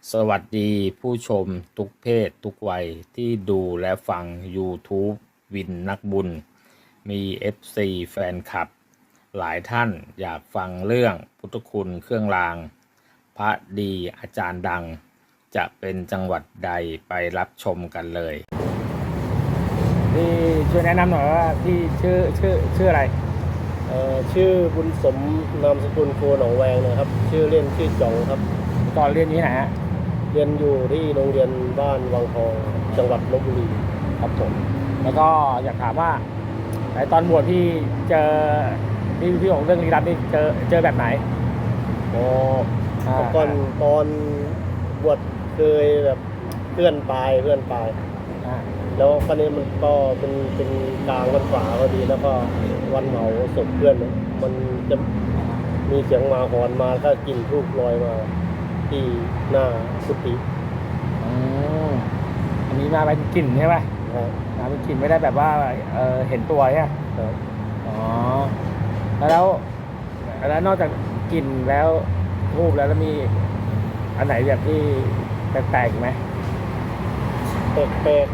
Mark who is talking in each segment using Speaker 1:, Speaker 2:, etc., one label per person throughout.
Speaker 1: สวัสดีผู้ชมทุกเพศทุกวัยที่ดูและฟัง YouTube วินนักบุญ มี FC แฟนคลับ หลายท่านอยากฟังเรื่องพุทธคุณเครื่องราง พระดีอาจารย์ดัง จะเป็นจังหวัดใดไปรับชมกันเลยพี่ช่วยแนะนำหน่อยว่าพี่ชื่ออะไร
Speaker 2: ชื่อบุญสมนามสกุลโคหนองแวงนะครับชื่อเล่นชื่อจ่องครับ
Speaker 1: ตอนเรียนที่ไหนฮะ
Speaker 2: เรียนอยู่ที่โรงเรียนบ้านวังทองจังหวัดลบบุรี
Speaker 1: ครับผมแล้วก็อยากถามว่าในตอนบวชพี่เจอพี่ของเรื่องลี้ลับนี่เจอแบบไหน
Speaker 2: อ๋อก่อนตอนบวชเคยแบบเพื่อนตายแล้วคราวนี้มันก็เป็นกลางวันฝาพอดีแล้วก็วันเผาศพเพื่อนมันจะมีเสียงหมาหอนมาก็กลิ่นทูบลอยมาที่หน้ากุฏิ
Speaker 1: อันนี้มาเป็นกลิ่นใช่ไหมมาเป็นกลิ่นไม่ได้แบบว่าเห็นตัวใช่ไหมอ๋อแล้วนอกจากกลิ่นแล้วทูบแล้วมีอันไหนแบบที่แปลกๆไหม
Speaker 2: แปล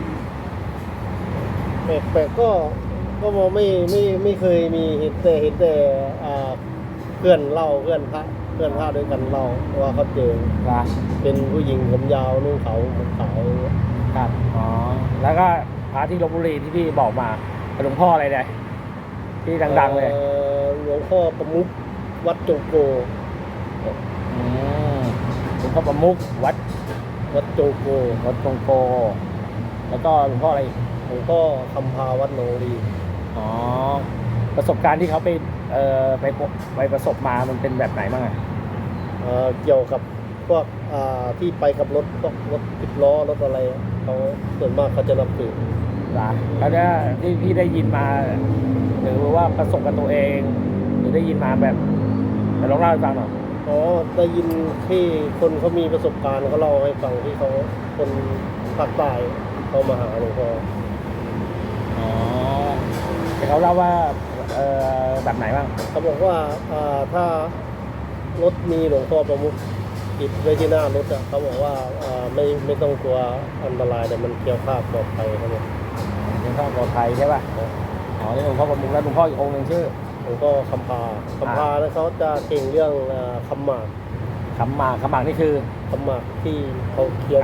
Speaker 2: กก็มองไม่เคยมีเห็นแต่เพื่อนเล่าเพื่อนพระด้วยกันเล่าว่าเขาเจอเป็นผู้หญิงผมยาวนุ่งขาวผมขาว
Speaker 1: ครับอ๋อแล้วก็พระที่ลพบุรีที่พี่บอกมาหลวงพ่ออะไรเนี่ยที่ดังๆเลย
Speaker 2: หลวงพ่อประมุขวัดจงโก
Speaker 1: หลวงพ่อประมุขวัด
Speaker 2: จงโก
Speaker 1: แล้วก็หลวงพ่ออะไร
Speaker 2: หลวงพ่อคำพาวัดหนองรี
Speaker 1: อ๋อประสบการณ์ที่เขาไปประสบมามันเป็นแบบไหนบ้าง
Speaker 2: เกี่ยวกับพวกที่ไปกับรถพวกรถ10 ล้อรถอะไรเขาส่วนมากเขาจะนับถือ
Speaker 1: แล้วเนี่ยที่พี่ได้ยินมาหรือว่าประสบกับตัวเองหรือได้ยินมาแบบลองเล่าให้ฟังหน่อย
Speaker 2: ได้ยินที่คนเขามีประสบการณ์เขาเล่าให้ฟังที่เขาคนภาคใต้เขามาหาหลวงพ่อ
Speaker 1: แต่เขาเล่าว่าแบบไหนบ้าง
Speaker 2: เขาบอกว่าถ้ารถมีหลวงพ่อประมุขติดไว้ที่หน้ารถเขาบอกว่าไม่ต้องกลัวอันตรายแต่มันเกี่ยวข้าปลอดภัยครับผม
Speaker 1: หลวงพ่อปลอดภัยใช่ป่ะนี่หลวงพ่อประมุขแล้วหลวงพ่ออีกองค์หนึ่งชื่อ
Speaker 2: หลวงพ่อคำพาแล้วเขาจะเก่งเรื่องคำหมาก
Speaker 1: นี่คือ
Speaker 2: คำหมากที่เขาเคี้ยว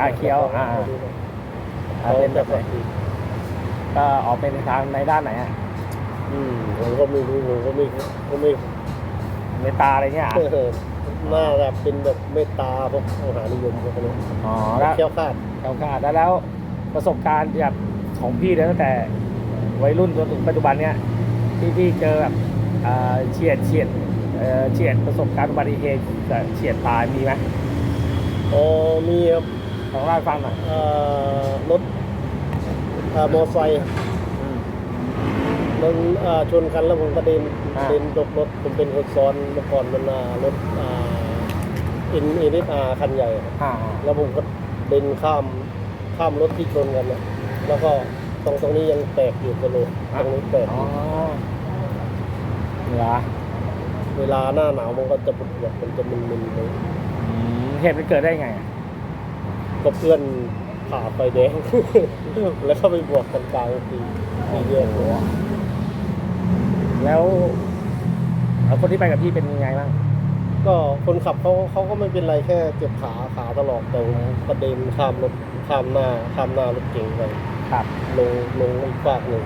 Speaker 1: เป็นแบบไหนก็ออกเป็นทางในด้านไหน
Speaker 2: ผมก็ไม่รู้ผมก็ไม่
Speaker 1: เมตตาอะไรเงี้ย
Speaker 2: น่าจะเป็นแบบเมตตาพวกมหานิยมพวกนี้
Speaker 1: แล้ว
Speaker 2: เคี้ยวขาด
Speaker 1: แล้วประสบการณ์แบบของพี่ตั้งแต่วัยรุ่นจนถึงปัจจุบันเนี้ยที่พี่เจอแบบเฉียดประสบการณ์อุบัติเหตุเฉียดตายมีไหม
Speaker 2: มีครับ
Speaker 1: ลองเล่าให้ฟังหน่อย
Speaker 2: รถมอไซค์มันชนกันแล้วผมกระเด็นตกรถผมเป็นคนซ้อนเมื่อก่อนมันรถNSR คันใหญ่แล้วผมก็เดินข้ามรถที่ชนกันนะแล้วก็ตรงนี้ยังแตกอยู่กระโหลกตรงนี้แตกเวลาหน้าหนาวมันก็จะปวดมันจะมึนๆเลย
Speaker 1: เหตุมันเกิดได้ไง
Speaker 2: ก็เพื่อนผ่าไฟแดงแล้วเข้าไปบวกกันกลางทีเยอะหัว
Speaker 1: แล้วคนที่ไปกับพี่เป็นยังไงบ้าง
Speaker 2: ก็คนขับเขาก็ไม่เป็นไรแค่เจ็บขาตลอดแต่กระเด็นข้ามหน้ารถเก๋งไปลงอีกฝากหนึ่ง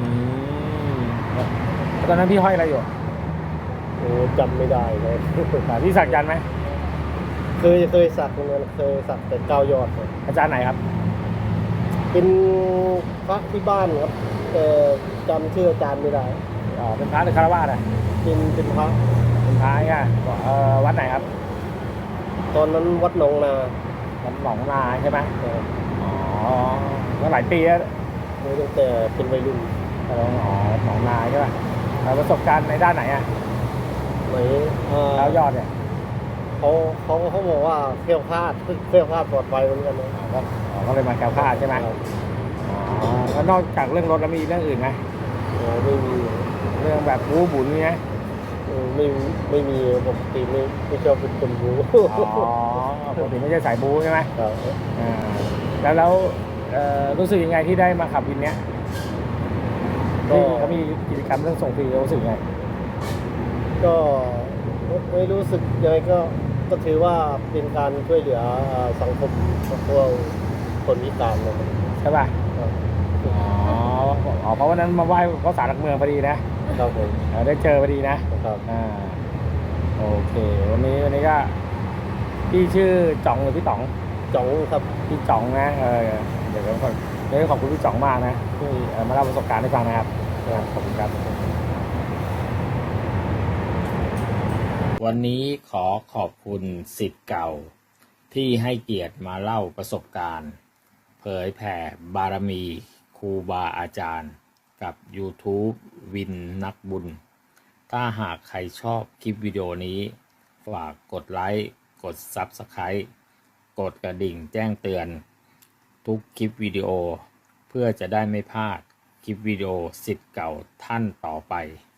Speaker 1: ตอนนั้นพี่ห้อยอะไรอยู่
Speaker 2: จำไม่ได้เลย
Speaker 1: พี่สักยันไหม
Speaker 2: เคยสักเหมือนเคยสักแต่9 ยอด
Speaker 1: อาจารย์ไหนครับ
Speaker 2: เป็นพระที่บ้านครับแต่จำชื่ออาจารย์ไม่ได้
Speaker 1: เป็นพระหรือคารวะ
Speaker 2: เป็นพระ
Speaker 1: อ่ะวัดไหนครับ
Speaker 2: ตอนนั้นวัดหนองนา
Speaker 1: ใช่ไหมก็หลายปีแล้ว
Speaker 2: ตั้งแต่เป็นวัยรุ่น
Speaker 1: หนองนาใช่ป่ะประสบการณ์ในด้านไหนแล้วยอดเนี่ย
Speaker 2: เขาบอกว่าเคลี้ยวคลาดปลอดภัยเหมือนกันนะ
Speaker 1: ก็เลยมาแก้วคลาดใช่ไหมแล้วนอกจากเรื่องรถแล้วมีเรื่องอื่นไหม
Speaker 2: ไม่มี
Speaker 1: เรื่องแบบบู๊บุญนี่ไหม
Speaker 2: ไม่มีปกติไม่ชอบเป็นคนบู๊
Speaker 1: ปกติไม่ใช่สายบู๊ใช่ไหม
Speaker 2: ครับ
Speaker 1: อ่าแล้วรู้สึกยังไงที่ได้มาขับวินเนี้ย
Speaker 2: ก็
Speaker 1: ที่เขามีกิจกรรมเรื่องส่งฟรีรู้สึกยังไง
Speaker 2: ก็ไม่รู้สึกยังไงก็ถือว่าเป็นการช่วยเหลือสังคมพวกคนพิการนะครับ
Speaker 1: ใช่ป่ะ
Speaker 2: ครับ
Speaker 1: อ๋อเพราะวันนั้นมาไหว้พระศาลหลักเมืองพอดีนะครับ
Speaker 2: ผม
Speaker 1: ได้เจอพอดีนะครับ โอเค วันนี้ก็พี่ชื่อจ่องหรือพี่ต๋อง
Speaker 2: จ๋องครับ
Speaker 1: พี่จ่องนะเดี๋ยวขอบคุณพี่จ่องมากนะที่มาเล่าประสบการณ์ให้ฟังนะครับขอบคุณครับ วันนี้ขอขอบคุณศิษย์เก่าที่ให้เกียรติมาเล่าประสบการณ์ เผยแผ่บารมีครูบาอาจารย์กับ YouTube วินนักบุญ ถ้าหากใครชอบคลิปวิดีโอนี้ ฝากกดไลค์กด Subscribe กดกระดิ่งแจ้งเตือนทุกคลิปวิดีโอ เพื่อจะได้ไม่พลาดคลิปวิดีโอศิษย์เก่าท่านต่อไป